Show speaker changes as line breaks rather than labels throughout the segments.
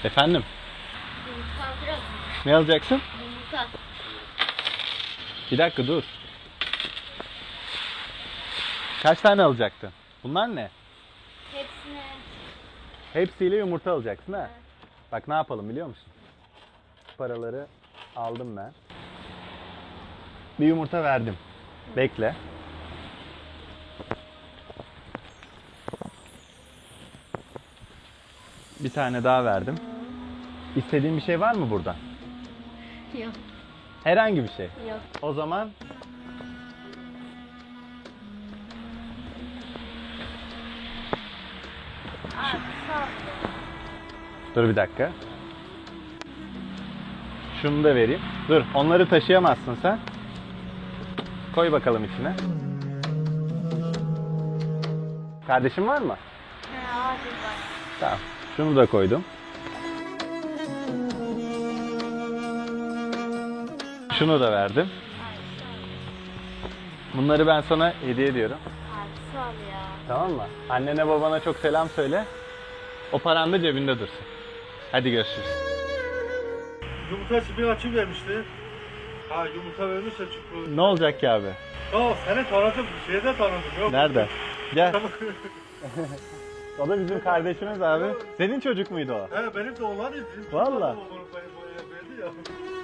Efendim?
Yumurta biraz.
Ne alacaksın?
Yumurta.
Bir dakika dur. Kaç tane alacaktın? Bunlar ne?
Hepsine.
Hepsiyle yumurta alacaksın ha?
Evet.
Bak ne yapalım biliyor musun? Paraları aldım ben. Bir yumurta verdim. Bekle. Bir tane daha verdim. İstediğin bir şey var mı burada?
Yok.
Herhangi bir şey.
Yok.
O zaman
Abi sağ ol.
dur bir dakika. Şunu da vereyim. Dur, onları taşıyamazsın sen. Koy bakalım içine. Kardeşin var mı?
He abi var.
Tamam. Şunu da koydum. Şunu da verdim.
Abi sağ ol.
Bunları ben sana hediye ediyorum.
Abi sağ ol ya.
Tamam mı? Annene babana çok selam söyle. O paran da cebinde dursun. Hadi görüşürüz.
Yumurta bir açı vermişti. Ha yumurta vermişse çünkü.
Ne olacak ki abi?
Ya seni tanıdım, şeyde tanıdım. Yok.
Nerede? Gel. O da bizim kardeşimiz abi. Senin çocuk muydu o?
He benim de olan idi.
Valla.
Verdi ya.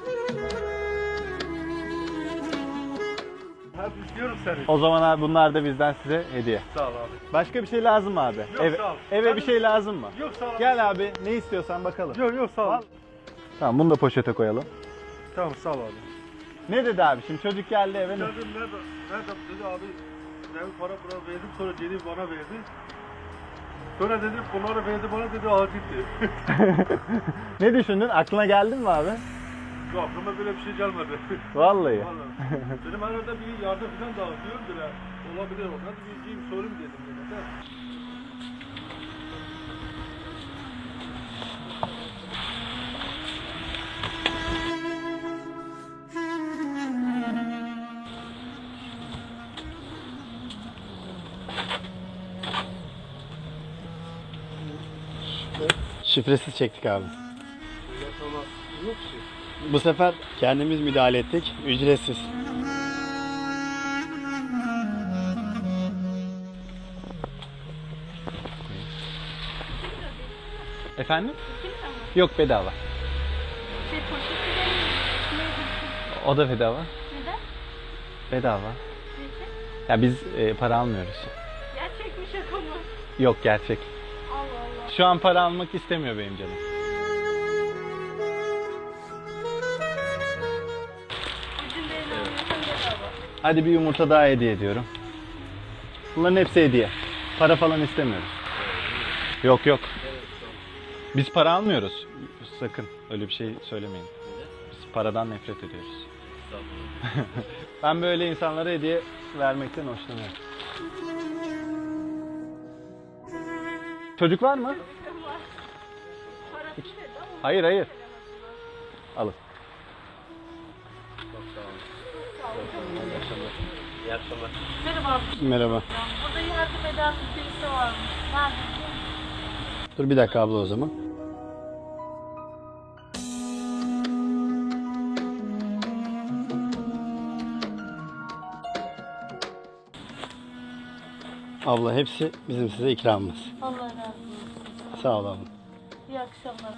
Ha istiyorum seni.
O zaman abi bunlar da bizden size hediye.
Sağ ol abi.
Başka bir şey lazım mı abi?
Yok, sağ ol.
Eve bir şey lazım mı?
Yok sağ ol.
Gel abi ne istiyorsan bakalım.
Yok sağ ol.
Tamam bunu da poşete koyalım.
Tamam sağ ol abi.
Ne dedi abi şimdi çocuk geldi eve ne?
Geldim nerede dedi abi. Ben para verdim sonra geri bana verdi. Sonra dedi bunları verdi bana dedi acildi.
Ne düşündün? Aklına geldi mi abi?
Yok aklıma böyle bir şey gelmedi.
Vallahi.
Vallahi. Benim arada bir yardım falan dağıtıyorum bile. Olabilir ona da bir gideyim sorayım dedim. Dedi.
Şifresiz çektik abi.
Yok ki.
Bu sefer kendimiz müdahale ettik. Ücretsiz.
Efendim? Yok bedava.
Şey poşeti de
O da bedava.
neden?
Bedava.
Neden?
Ya biz para almıyoruz.
Gerçek mi şaka mı?
Yok gerçek.
Allah Allah.
Şu an para almak istemiyor benim canım.
Bütün benim bedava.
Hadi bir yumurta daha hediye ediyorum. Bunların hepsi hediye. Para falan istemiyoruz. Yok yok. Biz para almıyoruz. Sakın öyle bir şey söylemeyin. Biz paradan nefret ediyoruz. Ben böyle insanlara hediye vermekten hoşlanıyorum. Çocuk var mı? Hayır hayır. Alın.
Merhaba.
Merhaba.
Burada yardım eden birisi varmış. Nerede?
Dur bir dakika abla o zaman. Abla hepsi bizim size ikramımız.
Allah razı olsun.
Sağ ol abla.
İyi akşamlar.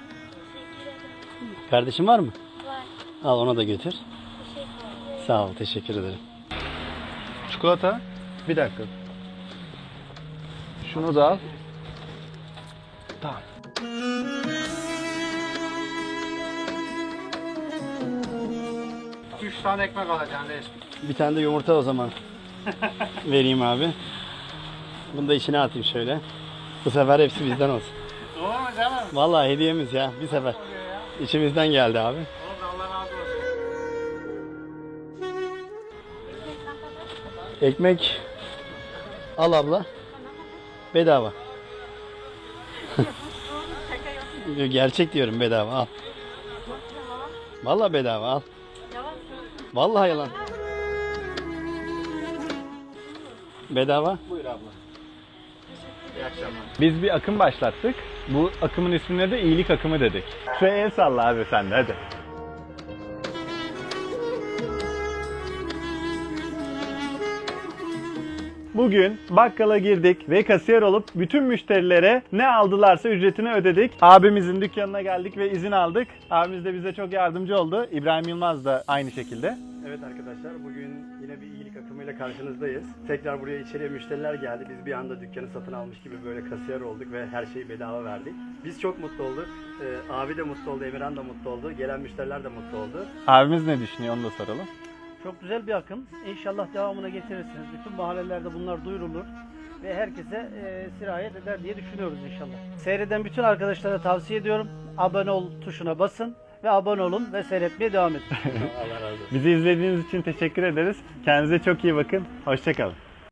Kardeşin var mı?
Var.
Al ona da götür.
Teşekkür ederim.
Sağ ol, teşekkür ederim.
Çikolata. Bir dakika. Şunu da al. Tamam.
Üç tane ekmek alacaksın reis.
Bir tane de yumurta o zaman vereyim abi. Bunu da içine atayım şöyle. Bu sefer hepsi bizden olsun.
Doğru mu canım?
Vallahi hediyemiz ya bir sefer. İçimizden geldi abi.
Oğlum Allah razı olsun.
Ekmek al abla. Bedava. Gerçek diyorum bedava al. Vallahi bedava al. Vallahi yalan. Bedava.
Biz bir akım başlattık. Bu akımın ismine de iyilik akımı dedik. Şuraya el salla abi sen de hadi. Bugün bakkala girdik ve kasiyer olup bütün müşterilere ne aldılarsa ücretini ödedik. Abimizin dükkanına geldik ve izin aldık. Abimiz de bize çok yardımcı oldu. İbrahim Yılmaz da aynı şekilde.
Evet arkadaşlar, bugün yine bir iyilik akımıyla karşınızdayız. Tekrar buraya içeriye müşteriler geldi. Biz bir anda dükkanı satın almış gibi böyle kasiyer olduk ve her şeyi bedava verdik. Biz çok mutlu olduk. Abi de mutlu oldu, Emirhan da mutlu oldu. Gelen müşteriler de mutlu oldu.
Abimiz ne düşünüyor onu da soralım.
Çok güzel bir akım. İnşallah devamına getirirsiniz. Bütün mahallelerde bunlar duyurulur ve herkese sirayet eder diye düşünüyoruz inşallah. Seyreden bütün arkadaşlara tavsiye ediyorum. Abone ol tuşuna basın ve abone olun ve seyretmeye devam edin.
Allah razı olsun.
Bizi izlediğiniz için teşekkür ederiz. Kendinize çok iyi bakın. Hoşça kalın.